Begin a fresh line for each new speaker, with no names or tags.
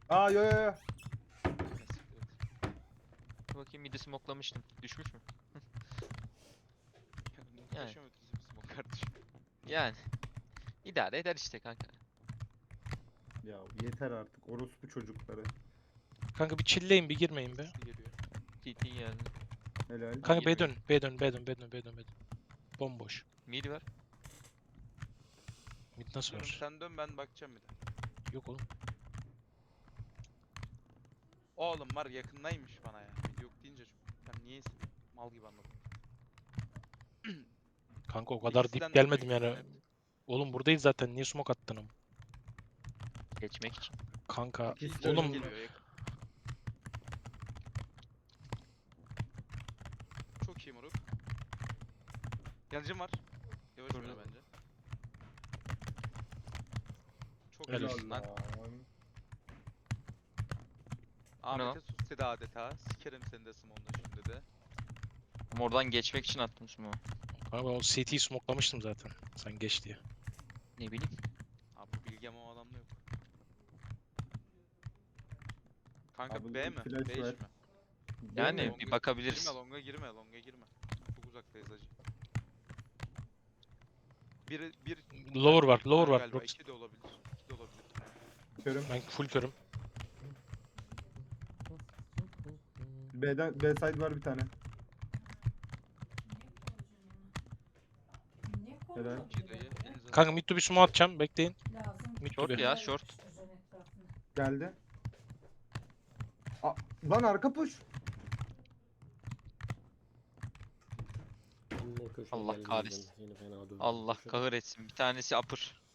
Aa yo yo yo.
Bakayım midi smoklamıştım. Düşmüş mü? Yani.
Muhteşem ötesi bir smoke kardeşim.
Yani. İdare eder işte kanka.
Ya yeter artık orospu çocukları.
Kanka bir chill'leyin, bir girmeyin be.
Sesli geliyor.
TT geldi.
Helal.
Kanka B
girmeyin.
dön, B dön, B dön, B dön, B dön, B dön. Bomboş.
Mid var.
Mid nasıl
Dönüm
var?
sen dön ben bakacağım bir de.
Yok oğlum.
Oğlum var yakındaymış bana ya. Mid yok deyince çok. Ben niye mal gibi anladım.
Kanka o kadar
İkisinden
dip
de
gelmedim
büyük
yani.
net.
Oğlum buradayız zaten. Niye smoke attın ama?
Geçmek için.
Kanka
İkisi de
oğlum
önümde.
Geliyor yakın. Çok iyi moruk. Yancım var. Yavaş
Burada.
oyna bence. Çok
Helal
iyisin lan.
lan.
Ahmet'e sus dedi adeta. Sikerim seni de Simon'da şimdi de.
Ama oradan geçmek için attım smoke'u.
kanka o CT'yi smoklamıştım zaten. Sen geç diye.
Ne bileyim.
Abi bu bilgi ama o adamda yok. Kanka
Abi
B
bu
mi?
flash
B iş
ver.
mi?
Yani
Longa-
bir bakabiliriz.
Girme longa girme longa girme. Çok uzaktayız acı. Bir
Lower var, lower var.
galiba.
Rox.
2 de olabilir. 2 de olabilir.
Körüm.
Ben full körüm.
B'den B side var bir tane. Helal.
İki dayı. elinize
Kanka mid to bir smoke atacağım. Bekleyin. Mid to
Short
bir.
ya short.
Geldi. Lan arka push.
Anne köşeye
Allah
gelmeden
kahretsin.
seni fena dövdüm.
Allah
Köşede.
kahretsin. Bir tanesi upper.